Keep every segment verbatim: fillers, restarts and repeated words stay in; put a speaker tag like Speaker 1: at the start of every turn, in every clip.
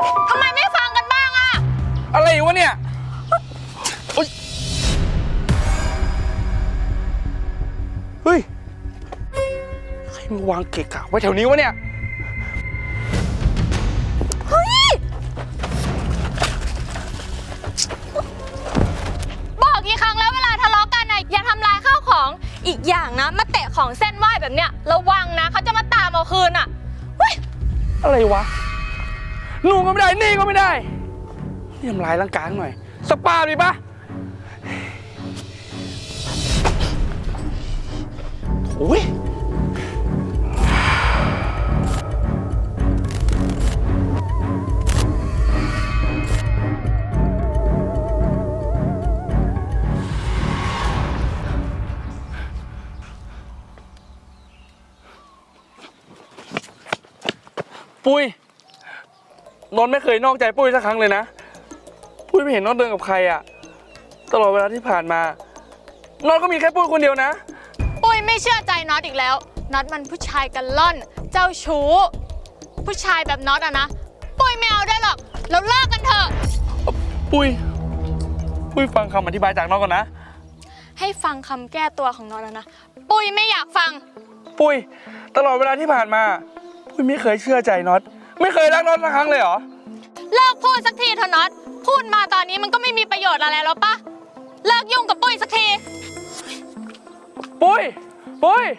Speaker 1: ทำไมไม่ฟังกันบ้างอะ
Speaker 2: อะไรวะเนี่ยเฮ้ยใครมาวางเกะกะไว้แถวนี้วะเนี่ย
Speaker 1: เฮ้ยบอกกี่ครั้งแล้วเวลาทะเลาะกันนะอย่าทำลายข้าวของอีกอย่างนะมาเตะของเส้นไหว้แบบเนี้ยระวังนะเขาจะมาตามเอาคืนอะเฮ้ย
Speaker 2: อะไรวะนู่นก็ไม่ได้นี่ก็ไม่ได้นี่ทำลายร่างกายหน่อยสปาดีปะโอ้ยปุ้ยนนท์ไม่เคยนอกใจปุ้ยสักครั้งเลยนะปุ้ยไม่เห็นนนท์เดินกับใครอะตลอดเวลาที่ผ่านมานนท์ก็มีแค่ปุ้ยคนเดียวนะ
Speaker 1: ปุ้ยไม่เชื่อใจน็อตอีกแล้วน็อตมันผู้ชายกันล่อนเจ้าชู้ผู้ชายแบบน็อตอะนะปุ้ยไม่เอาได้หรอกเราเลิกกันเถอะ
Speaker 2: ปุ้ยปุ้ยฟังคำอธิบายจากน็อตก่อนนะ
Speaker 1: ให้ฟังคำแก้ตัวของน็อตนะปุ้ยไม่อยากฟัง
Speaker 2: ปุ้ยตลอดเวลาที่ผ่านมาปุ้ยไม่เคยเชื่อใจน็อตไม่เคยรักน็อตสักครั้งเลยเหรอ
Speaker 1: เลิกพูดสักทีเถอะน็อตพูดมาตอนนี้มันก็ไม่มีประโยชน์อะไรแล้วปะเลิกยุ่งกับปุ้ยสักที
Speaker 2: ปุ้ยปุ้ย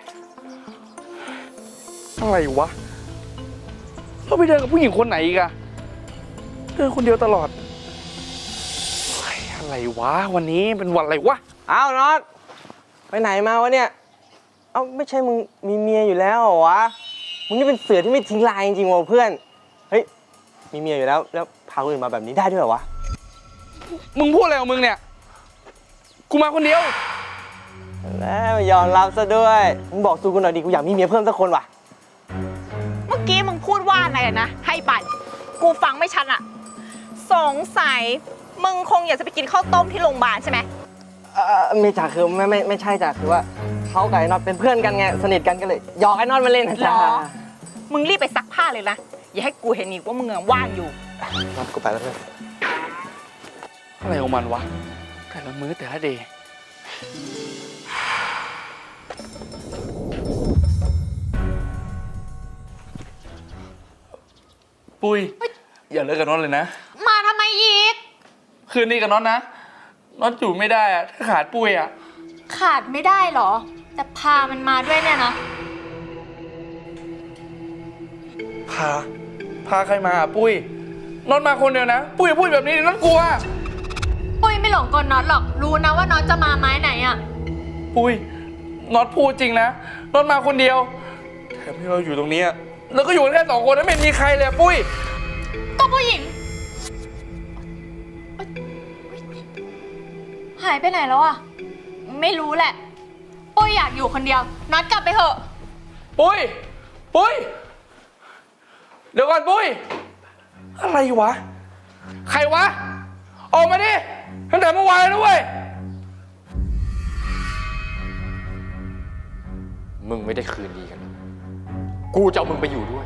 Speaker 2: อะไรวะเราไปเดินกับผู้หญิงคนไหนอีกอะเดินคนเดียวตลอดอะไรวะวันนี้เป็นวันอะไรวะ
Speaker 3: อ้าวน็อตไปไหนมาวะเนี่ยเอ้าไม่ใช่มึงมีเมียอยู่แล้วเหรอวะมึงนี่เป็นเสือที่ไม่ทิ้งลายจริงๆว่ะเพื่อนเฮ้ยมีเมียอยู่แล้วแล้วพาคนอื่นมาแบบนี้ได้ด้วยเหรอวะ
Speaker 2: มึงพูดอะไรของมึงเนี่ยกูมาคนเดียว
Speaker 3: แล้วไม่ยอมรับซะด้วยมึงบอกซูกูหน่อยดิกูอยากมีเมียเพิ่มสักคนว่ะ
Speaker 4: เมื่อกี้มึงพูดว่าอะไรนะให้ไปกูฟังไม่ชัดอะสงสัยมึงคงอยากจะไปกินข้าวต้มที่โรงพยาบาลใช่ไหม
Speaker 3: เออไม่จ่าคือไม่ไม่ไม่ใช่จ่าคือว่าเขากับไอ้น็อตเป็นเพื่อนกันไงสนิทกันก็เลยหยอกไอ้น็อตมาเล่นนะจ๊ะ
Speaker 4: มึงรีบไปซักผ้าเลยนะอย่าให้กูเห็นอีกว่ามึงว่างอยู่
Speaker 3: น็อตกูไปแล้วเพื่อน
Speaker 2: อะไรของมันวะแต่ละมื้อแต่ละเดย์ปุ้ยอย่าเลิกกับน็อตเลยนะ
Speaker 1: มาทำไมอีก
Speaker 2: คืนนี้กับน็อตนะน็อตอยู่ไม่ได้อะถ้าขาดปุ้ยอะ
Speaker 1: ขาดไม่ได้หรอแต่พามันมาด้วยเนี่ยนะ
Speaker 2: พาพาใครมาปุ้ยน็อตมาคนเดียวนะปุ้ยปุ้ยแบบนี้น็อตกลัว
Speaker 1: ปุ้ยไม่หลงกลน็อตหรอกรู้นะว่าน็อตจะมาไม้ไหนอะ
Speaker 2: ปุ้ยน็อตพูดจริงนะน็อตมาคนเดียวแถมที่เราอยู่ตรงนี้แล้วก็อยู่แค่สองคนไม่มีใครเลยปุ้ย
Speaker 1: ก็ผู้หญิงหายไปไหนแล้วอะไม่รู้แหละปุ้ยอยากอยู่คนเดียวน็อตกลับไปเถอะ
Speaker 2: ปุ้ยปุ้ยเดี๋ยวก่อนปุ้ยอะไรวะใครวะออกมาดิตั้งแต่เมื่อวานแล้วเว้ย
Speaker 5: มึงไม่ได้คืนดีกันกูจะเอามึงไปอยู่ด้วย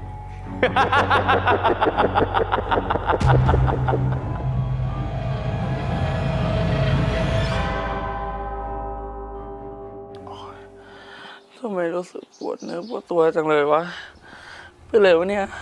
Speaker 2: ทำไมรู้สึกปวดเนื้อปวดตัวจังเลยวะเป็นไรวะเนี่ย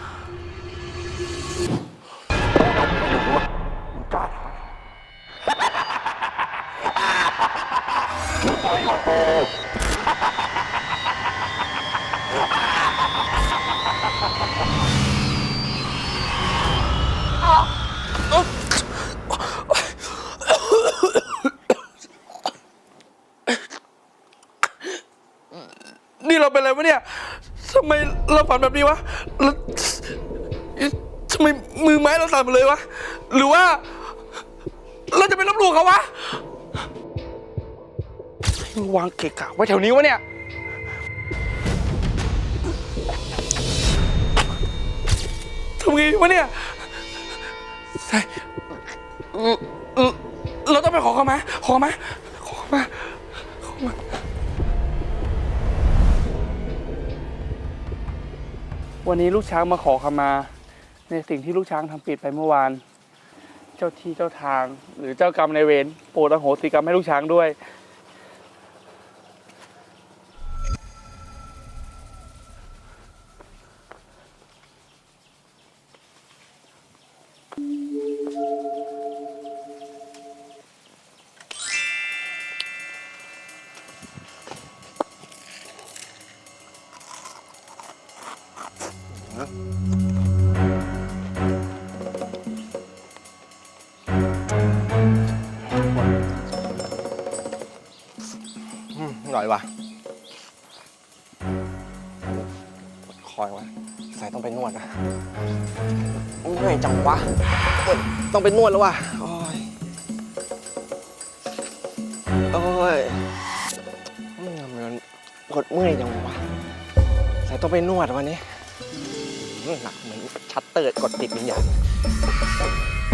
Speaker 2: นี่เราเป็นอะไรวะเนี่ยทำไมเราฝันแบบนี้วะทำไมมือไม้เราสั่นหมดเลยวะหรือว่าเราจะไปลบหลู่เขาวะมึงวางเกะกะไว้แถวนี้วะเนี่ยทำไงวะเนี่ยใช่เราต้องไปขอเขามาขอมาขอมาขอมาวันนี้ลูกช้างมาขอขมาในสิ่งที่ลูกช้างทำผิดไปเมื่อวาน เจ้าที่เจ้าทาง หรือเจ้ากรรมนายเวรโปรดอโหสิกรรมให้ลูกช้างด้วย
Speaker 3: อืมอร่อยว่ะปวดคอยว่ะใส่ต้องไปนวดนะเหนื่อยจังวะปวดต้องไปนวดแล้วว่ะโอ้ยโอ้ยอืมมันปวดเมื่อยจังวะใส่ต้องไปนวดวันนี้อืมหนักเหมือนชัตเตอร์กดติดวิญญาณ